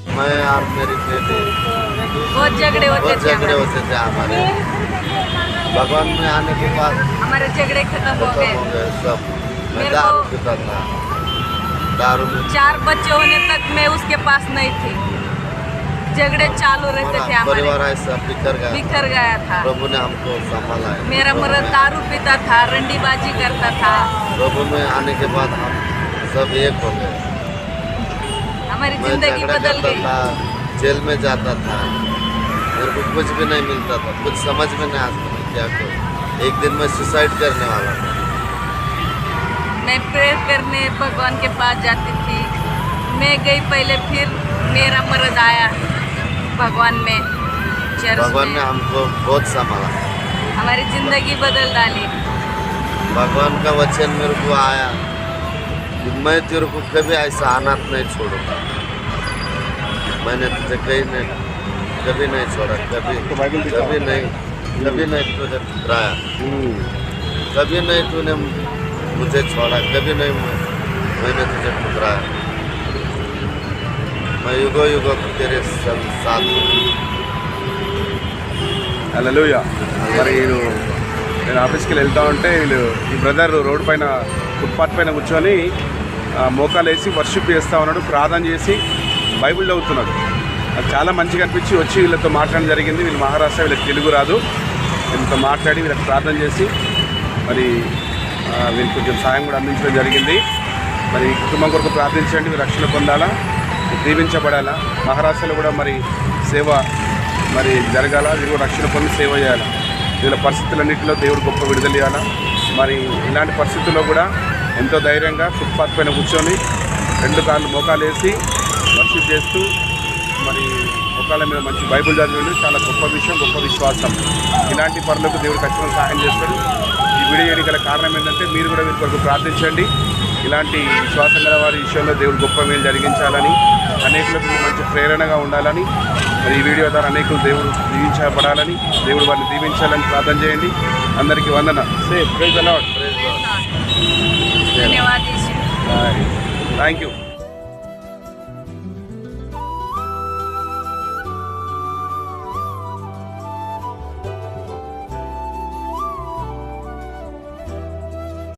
मैं और मेरी बेटी बहुत झगड़े होते थे हमारे। भगवान में आने के बाद हमारे झगड़े खत्म हो गए सब। मैं मेरे दारू को- पीता था, दारू में 4 बच्चे होने तक मैं उसके पास नहीं थी। झगड़े चालू रहते थे हमारे। परिवार ऐसा बिखर गया था। प्रभु ने हमको संभाला है। मेरा मर्द दारू पीता था, रंडीबाजी करता था। प्रभु में आने के बाद हम सब एक हो गए। हमारी मैं जिंदगी झगड़ा बदल करता गई। था, जेल में जाता था, मेरे को कुछ भी नहीं मिलता था, कुछ समझ में नहीं आता मैं क्या करूं। एक दिन मैं सुसाइड करने वाला था। मैं प्रेयर करने भगवान के पास जाती थी। मैं गई पहले, फिर मेरा मर्द आया भगवान में, चर्च भगवान ने में। हमको बहुत संभाला। हमारी जिंदगी बदल डाली। भगवान का वचन मेरे को आया कि मैं तेरे को कभी ऐसा अनाथ नहीं छोड़ूंगा। मैंने तुझे कभी नहीं छोड़ा, कभी नहीं तुझे ठुकराया, कभी नहीं तूने मुझे छोड़ा, कभी नहीं मैंने तुझे ठुकराया। मैं युगो युगो तेरे साथ हूँ। హల్లెలూయా. మరి నేను ఆఫీస్కి వెళ్తా ఉంటే వీళ్ళు ఈ బ్రదర్ రోడ్డు పైన ఫుట్పాత్ పైన కూర్చొని మోకాలు వేసి వర్షిప్ చేస్తూ ఉన్నాడు, ప్రార్థన చేసి బైబిల్ చదువుతున్నాడు. అది చాలా మంచిగా అనిపించి వచ్చి వీళ్ళతో మాట్లాడడం జరిగింది. వీళ్ళు మహారాష్ట్ర, వీళ్ళకి తెలుగు రాదు. వీళ్ళతో మాట్లాడి వీళ్ళకి ప్రార్థన చేసి మరి వీళ్ళకి కొంచెం సాయం కూడా అందించడం జరిగింది. మరి కుటుంబం కొరకు ప్రార్థించండి, వీళ్ళు రక్షణ పొందాలా, దీవించబడాలా. మహారాష్ట్రలో కూడా మరి సేవ మరి జరగాల, వీళ్ళు రక్షణ పొంది సేవ చేయాలి. వీళ్ళ పరిస్థితులన్నింటిలో దేవుడు గొప్ప విడుదల ఇవ్వాలా. మరి ఇలాంటి పరిస్థితుల్లో కూడా ఎంతో ధైర్యంగా ఫుట్పాత్ పైన కూర్చొని 2 కాళ్ళు మోకాలు వేసి వర్షిప్ చేస్తూ మరి మోకాళ్ళ మీద మంచి బైబిల్ చదివేది చాలా గొప్ప విషయం, గొప్ప విశ్వాసం. ఇలాంటి పనులకు దేవుడు ఖచ్చితంగా సహాయం చేస్తాడు. ఈ వీడియో చేయడానికి కారణం ఏంటంటే మీరు కూడా వీరి కొరకు ప్రార్థించండి. ఇలాంటి విశ్వాసం గల వారి విషయంలో దేవుడు గొప్ప మేలు జరిగించాలని, అనేకులకు మంచి ప్రేరణగా ఉండాలని, మరి ఈ వీడియో ద్వారా అనేకులు దేవుడు దీవించబడాలని, దేవుడు వారిని దీవించాలని ప్రార్థన చేయండి. అందరికీ వందన. Praise the lord. धन्यवाद। Thank you.